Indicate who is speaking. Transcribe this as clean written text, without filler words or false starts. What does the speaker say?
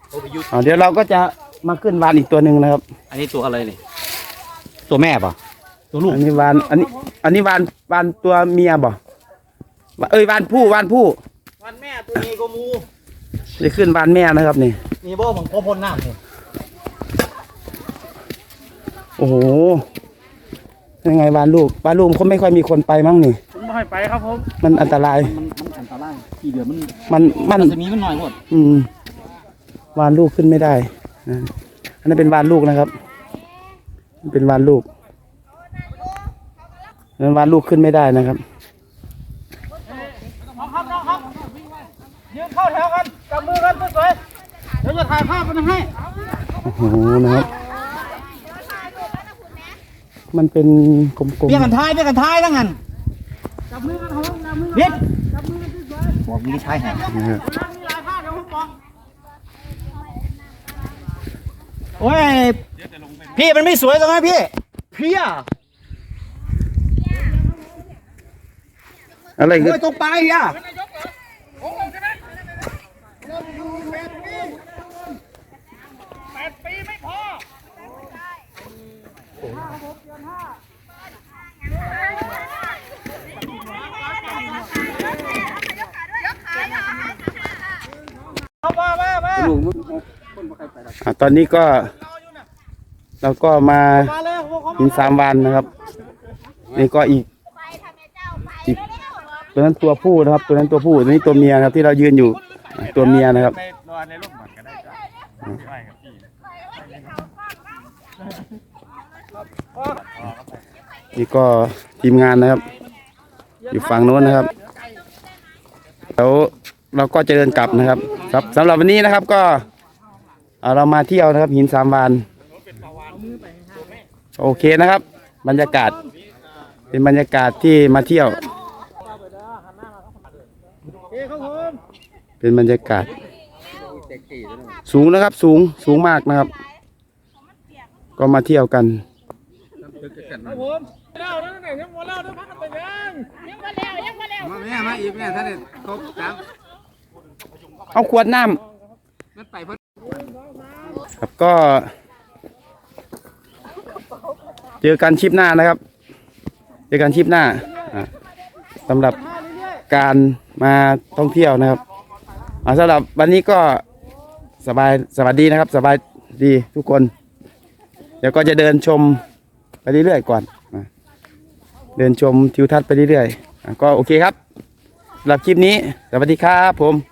Speaker 1: เดี๋ยวเราก็จะมาขึ้นวานอีกตัวหนึ่งนะครับ
Speaker 2: อันนี้ตัวอะไรนี่ตัวแม่ป่ะตัวลูก
Speaker 1: อันนี้วานอันนี้วานตัวเมียบ่วานผู้วานแม่ตัวนี้ก็มูจะขึ้นวานแม่นะครับนี่
Speaker 2: บ่ของพ่อพลน้ำนี่
Speaker 1: โอ้โหยังไงวานลูกเขาไม่ค่อยมีคนไปมั้งนี่
Speaker 2: ไม่ค่อยไปครับผม
Speaker 1: มันอันตราย
Speaker 2: มันอันตรายที่เดือด
Speaker 1: มัน
Speaker 2: จะมีมันหน่อยหมด
Speaker 1: วานลูกขึ้นไม่ได้อันนั้นเป็นวานลูกนะครับเป็นวานลูกนั้นวานลูกขึ้นไม่ได้นะครับ
Speaker 2: น้องครับยืนเข้าแถวกันจับมือกันสวยๆเดี๋ยวจะถ่ายภาพมันให้
Speaker 1: โอ้โหนะครับมันเป็นกลมๆ
Speaker 2: เบี้ยกันท้ายนั่งกันจับมือกันเขาจับมือเด็ดจับมือกันสวยๆบอกมีใช้แห่มีหลายภาพเดี๋ยวผมบอกโอ้ยพี่มันไม่สวยตรงนั้นพี่
Speaker 1: อะไรกัน
Speaker 2: ตรงปลายอ่ะ8 ปีไม่พอ
Speaker 1: ตอนนี้ก็เราก็มาหิน3 วันนะครับนี่ก็อีกตัวนั้นตัวผู้นะครับตัวนั้นตัวผู้ตัวนี้ตัวเมียครับที่เรายืนอยู่ตัวเมียนะครับนี่ก็ทีมงานนะครับอยู่ฝั่งโน้นนะครับแล้วเราก็จะเดินกลับนะครับสำหรับวันนี้นะครับก็เรามาเที่ยวนะครับหิน3 วันโอเคนะครับบรรยากาศเป็นบรรยากาศที่มาเที่ยวเป็นบรรยากาศสูงนะครับสูงมากนะครับก็มาเที่ยวกันเอาขวดน้ำครับก็เจอกันชิปหน้านะครับเจอกันชิปหน้าสำหรับการมาท่องเที่ยวนะครับสำหรับวันนี้ก็สวัสดีนะครับสบายดีทุกคนเดี๋ยวก็จะเดินชมไปเรื่อยๆก่อนเดินชมทิวทัศน์ไปเรื่อยๆก็โอเคครับสำหรับคลิปนี้สวัสดีครับผม